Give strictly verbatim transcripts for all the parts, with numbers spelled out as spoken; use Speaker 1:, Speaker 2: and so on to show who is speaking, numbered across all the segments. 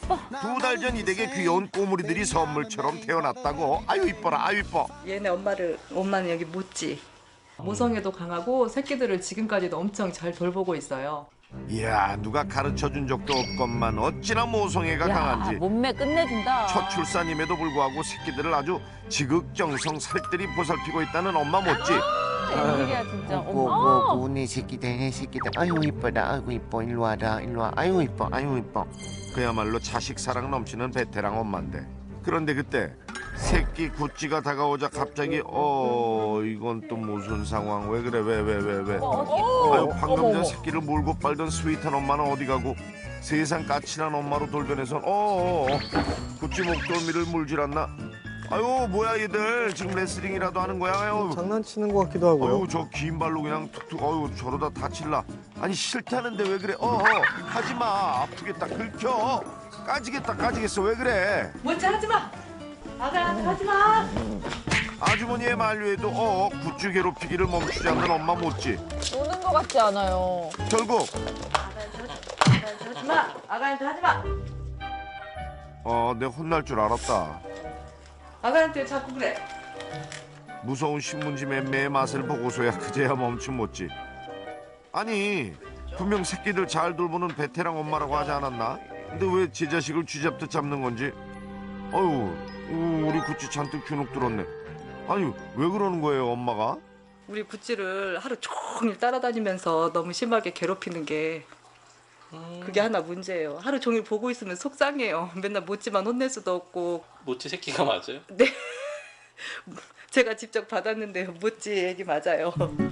Speaker 1: 이뻐.
Speaker 2: 두 달 전 이 댁에 귀여운 꼬물이들이 선물처럼 태어났다고. 아유 이뻐라 아유 이뻐.
Speaker 3: 얘네 엄마를 엄마는 여기 묻지.
Speaker 4: 모성애도 강하고 새끼들을 지금까지도 엄청 잘 돌보고 있어요.
Speaker 2: 이야 누가 가르쳐준 적도 없건만 어찌나 모성애가
Speaker 1: 야,
Speaker 2: 강한지.
Speaker 1: 몸매 끝내준다.
Speaker 2: 첫 출산임에도 불구하고 새끼들을 아주 지극정성 살뜰히 보살피고 있다는 엄마 못지.
Speaker 1: 웬일이야 진짜.
Speaker 5: 오고
Speaker 1: 어머.
Speaker 5: 오고 내 새끼들 내 새끼들 아이고 이뻐라 아이고 이뻐 일로 와라 일로 와 아이고 이뻐 아이고 이뻐.
Speaker 2: 그야말로 자식 사랑 넘치는 베테랑 엄마인데 그런데 그때 새끼 구찌가 다가오자 갑자기 어 이건 또 무슨 상황 왜 그래 왜 왜 왜 왜, 아유 방금 전 새끼를 몰고 빨던 스윗한 엄마는 어디 가고 세상 까칠한 엄마로 돌변해선 어어 어, 구찌 목덜미를 물질 않나 아유 뭐야 얘들 지금 레슬링이라도 하는 거야 아유
Speaker 6: 장난치는 것 같기도 하고요.
Speaker 2: 어우 저 긴 발로 그냥 툭툭 어우 저러다 다칠라 아니 싫다는데 왜 그래 어어 하지마 아프겠다 긁혀 까지겠다 까지겠어 왜 그래
Speaker 3: 묻지 하지 마. 아가한테 하지 마.
Speaker 2: 아주머니의 만류에도 어 굿즈 괴롭히기를 멈추지 않는 엄마 못지
Speaker 1: 노는 것 같지 않아요.
Speaker 2: 결국
Speaker 3: 아가한테 하지 마. 아가한테 하지 마.
Speaker 2: 어 내가 혼날 줄 알았다
Speaker 3: 아가한테 자꾸 그래.
Speaker 2: 무서운 신문지 맴매의 맛을 보고서야 그제야 멈춤 못지 아니 분명 새끼들 잘 돌보는 베테랑 엄마라고 하지 않았나 근데 왜 제 자식을 쥐잡듯 잡는 건지 어휴 우, 우리 구찌 잔뜩 주눅 들었네 아니 왜 그러는 거예요 엄마가
Speaker 3: 우리 구찌를 하루 종일 따라다니면서 너무 심하게 괴롭히는 게 그게 하나 문제예요. 하루 종일 보고 있으면 속상해요. 맨날 묻지만 혼낼 수도 없고.
Speaker 7: 모찌 새끼가 맞아요?
Speaker 3: 네. 제가 직접 받았는데요. 묻지 얘기 맞아요.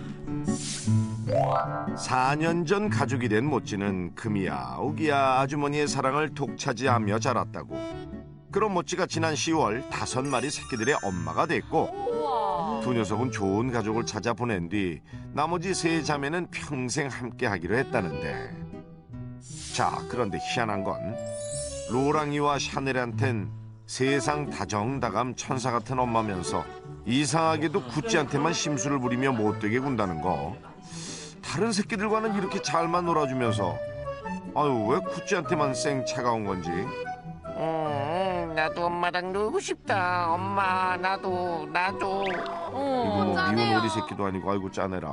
Speaker 2: 사 년 전 가족이 된 모찌는 금이야 오기야 아주머니의 사랑을 독차지하며 자랐다고 그런 모찌가 지난 시월 다섯 마리 새끼들의 엄마가 됐고
Speaker 1: 우와.
Speaker 2: 두 녀석은 좋은 가족을 찾아 보낸 뒤 나머지 세 자매는 평생 함께 하기로 했다는데 자 그런데 희한한 건 로랑이와 샤넬한텐 세상 다정다감 천사 같은 엄마면서 이상하게도 구찌한테만 심술을 부리며 못되게 군다는 거 다른 새끼들과는 이렇게 잘만 놀아주면서 아유 왜 구찌한테만 쌩 차가운 건지
Speaker 5: 음 나도 엄마랑 놀고 싶다 엄마 나도 나도
Speaker 1: 어,
Speaker 2: 이거 뭐
Speaker 1: 짠해요.
Speaker 2: 미운 오리 새끼도 아니고 아이고 짜내라